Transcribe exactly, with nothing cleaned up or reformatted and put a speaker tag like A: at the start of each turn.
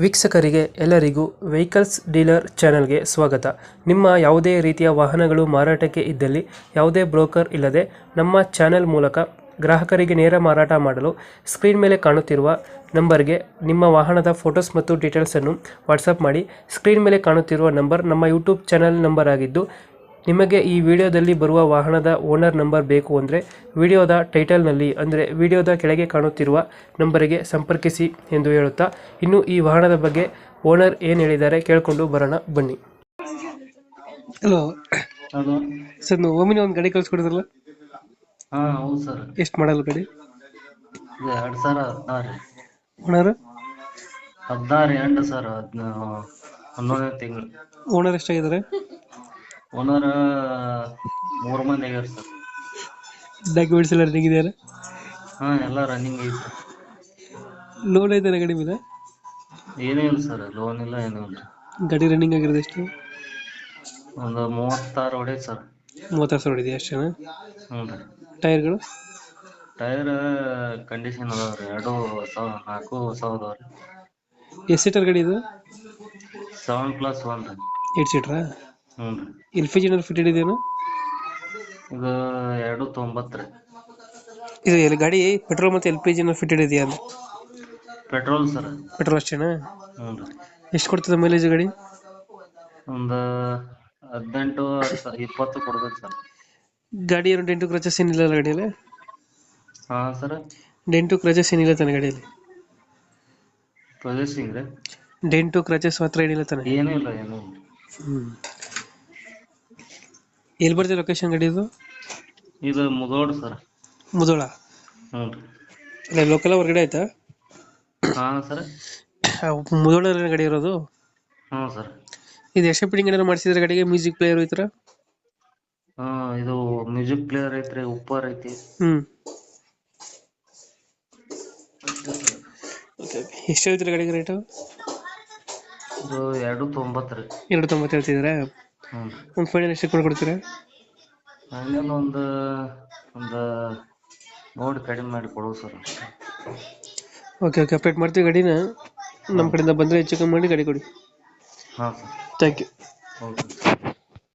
A: ವೀಕ್ಷಕರಿಗೆ ಎಲ್ಲರಿಗೂ vehicles dealer ಚಾನೆಲ್ಗೆ ಸ್ವಾಗತ. ನಿಮ್ಮ ಯಾವುದೇ ರೀತಿಯ ವಾಹನಗಳು ಮಾರಾಟಕ್ಕೆ ಇದ್ದಲ್ಲಿ ಯಾವುದೇ ಬ್ರೋಕರ್ ಇಲ್ಲದೆ ನಮ್ಮ ಚಾನೆಲ್ ಮೂಲಕ ಗ್ರಾಹಕರಿಗೆ ನೇರ ಮಾರಾಟ ಮಾಡಲು ಸ್ಕ್ರೀನ್ ಮೇಲೆ ಕಾಣುತ್ತಿರುವ ನಂಬರ್ಗೆ ನಿಮ್ಮ ವಾಹನದ ಫೋಟೋಸ್ ಮತ್ತು ಡೀಟೇಲ್ಸನ್ನು ವಾಟ್ಸಪ್ ಮಾಡಿ. ಸ್ಕ್ರೀನ್ ಮೇಲೆ ಕಾಣುತ್ತಿರುವ ನಂಬರ್ ನಮ್ಮ ಯೂಟ್ಯೂಬ್ ಚಾನೆಲ್ ನಂಬರ್ ಆಗಿದ್ದು, ನಿಮಗೆ ಈ ವಿಡಿಯೋದಲ್ಲಿ ಬರುವ ವಾಹನದ ಓನರ್ ನಂಬರ್ ಬೇಕು ಅಂದರೆ ವಿಡಿಯೋದ ಟೈಟಲ್ನಲ್ಲಿ ಅಂದರೆ ವಿಡಿಯೋದ ಕೆಳಗೆ ಕಾಣುತ್ತಿರುವ ನಂಬರಿಗೆ ಸಂಪರ್ಕಿಸಿ ಎಂದು ಹೇಳುತ್ತಾ, ಇನ್ನು ಈ ವಾಹನದ ಬಗ್ಗೆ ಓನರ್ ಏನು ಹೇಳಿದ್ದಾರೆ ಕೇಳಿಕೊಂಡು ಬರೋಣ ಬನ್ನಿ. ಹಲೋ
B: ಹಲೋ
A: ಸರ್, ನೀವು ಓಮಿನ ಒಂದು ಗಾಡಿ ಕಳಿಸ್ಕೊಡಿದ್ರಲ್ಲ,
B: ಹಾ ಹೌದು ಸರ್.
A: ಎಷ್ಟು ಮಾಡಲ್ಲ ಗಾಡಿ?
B: ಇದು ಎರಡ್ ಸಾವಿರ ಹದಿನಾರು
A: ಓನರ್
B: ಹದಿನಾರು ಎಂಟು ಸರ್. ಹದಿನ ಹನ್ನೊಂದನೇ ತಿಂಗಳು.
A: ಓನರ್ ಎಷ್ಟಾಗಿದ್ದಾರೆ?
B: ಓನರ್ ಮೂರು ಮಂದಿ ಆಗ್ಯಾರ ಸರ್.
A: ಡಾಕ್ಯುಮೆಂಟ್ಸ್ ಎಲ್ಲ ರನ್ನಿಂಗ್ ಇದೆಯಲ್ಲ?
B: ಹಾ ಎಲ್ಲ ರನ್ನಿಂಗ್ ಐತಿ ಸರ್.
A: ಲೋನ್ ಐತೆ ಗಾಡಿ ಮೇಲೆ?
B: ಏನೂ ಇಲ್ಲ ಸರ್, ಲೋನ್ ಇಲ್ಲ ಏನೂ ಇಲ್ಲ.
A: ಗಾಡಿ ರನ್ನಿಂಗ್ ಆಗಿರೋದು ಎಷ್ಟು?
B: ಒಂದು ಮೂವತ್ತಾರು ಹೊಡೆಯುತ್ತೆ ಸರ್.
A: ಮೂವತ್ತಾರು ಸಾವಿರ ಇದೆಯಾ ಅಷ್ಟೇನಾ?
B: ಹ್ಞೂ ರೀ.
A: ಟೈರ್ಗಳು?
B: ಟೈರ್ ಕಂಡೀಷನ್ ಅದಾವ ರೀ, ಎರಡು ಹೊಸ ನಾಲ್ಕು ಹೊಸ ಅದಾವ ರೀ.
A: ಎಷ್ಟು ಸೀಟರ್ ಗಾಡಿ ಇದು?
B: ಸೆವೆನ್ ಪ್ಲಸ್ ಒನ್ ರೀ.
A: ಏಟ್ ಸೀಟ್ರಾ?
B: ಹ್ಞೂ ರೀ.
A: ಎಲ್ ಪಿ ಜಿ ಫಿಟೆಡ್ ಇದೆಯಾ?
B: ಇದು ಎರಡು ತೊಂಬತ್ತು ರೀ.
A: ಇದು ಎಲ್ಲಿ ಗಾಡಿ ಪೆಟ್ರೋಲ್ ಮತ್ತು ಎಲ್ ಪಿ ಜಿ ಫಿಟೆಡ್ ಇದೆಯಾ?
B: Petrol sir.
A: ಪೆಟ್ರೋಲ್ ಅಷ್ಟೇನಾ?
B: ಹ್ಞೂ ರೀ.
A: ಎಷ್ಟು ಕೊಡ್ತದೆ ಮೈಲೇಜ್ ಗಾಡಿ?
B: ಒಂದು ಹದಿನೆಂಟು ಇಪ್ಪತ್ತು ಕೊಡ್ಬೇಕು ಸರ್.
A: ಗಾಡಿ ಏನು ಡೆಂಟು ಕ್ರಚಸ್ ಏನಿಲ್ಲ ಗಾಡಿಯಲ್ಲಿ?
B: ಹಾ ಸರ್.
A: ಡೆಂಟು ಕ್ರಚಸ್ ಏನಿಲ್ಲ ತಾನೆ ಗಾಡಿಯಲ್ಲಿ?
B: ಪ್ರೊಸೆಸಿಂಗ್ ರೀ.
A: ಡೆಂಟು ಕ್ರಚಸ್ ಮಾತ್ರ ಏನಿಲ್ಲ ತಾನೆ?
B: ಏನೂ ಇಲ್ಲ ಏನೂ ಇಲ್ಲ.
A: ಹ್ಞೂ. ಎಲ್ಲಿ ಬರ್ತದೆ ಲೊಕೇಶನ್ ಗಾಡಿ ಇದು?
B: ಇದು ಮುಧೋಳ ಸರ್.
A: ಮುಧೋಳ?
B: ಹ್ಞೂ ರೀ.
A: ಇಲ್ಲ ಲೋಕಲ್ ಹೊರಗಡೆ ಆಯ್ತಾ?
B: ಹಾ ಸರ್.
A: ಮುಧೋಳ ಗಾಡಿ ಇರೋದು?
B: ಹ್ಞೂ ಸರ್.
A: ಇದು ಎಕ್ಸ್ಟ್ರಾ ಫಿಟ್ಟಿಂಗ್ ಏನಾದ್ರು ಮಾಡಿಸಿದ್ರೆ ಗಾಡಿಗೆ? ಮ್ಯೂಸಿಕ್ ಪ್ಲೇಯರ್ ಈ ಥರ?
B: ಹಾ ಇದು ಮ್ಯೂಸಿಕ್ ಪ್ಲೇಯರ್ ಐತ್ರಿ, ಉಪ್ಪರ್ ಐತಿ.
A: ಹ್ಞೂ. ಎಷ್ಟು ಹೇಳ್ತೀರಾ ಗಾಡಿಗೆ ರೇಟು?
B: ಇದು ಎರಡು ತೊಂಬತ್ತು ರೀ.
A: ಎರಡು ತೊಂಬತ್ತು ಹೇಳ್ತಿದ್ದೀರಾ?
B: ಹ್ಞೂ.
A: ಒಂದು ಫೈನಲ್ ಎಷ್ಟು ಕೊಡ್ಕೊಡ್ತೀರಾ?
B: ಫೈನಲ್ ಒಂದು ಒಂದು ನೋಡಿ ಕಡಿಮೆ ಮಾಡಿ ಕೊಡುವ ಸರ್.
A: ಓಕೆ ಓಕೆ, ಅಪ್ಡೇಟ್ ಮಾಡ್ತೀವಿ ಗಾಡಿನ. ನಮ್ಮ ಕಡೆಯಿಂದ ಬಂದರೆ ಹೆಚ್ಚು ಕಮ್ಮಿ ಮಾಡಿ ಗಾಡಿ ಕೊಡಿ.
B: ಹಾಂ ಸರ್.
A: Thank you.
B: ಓಕೆ.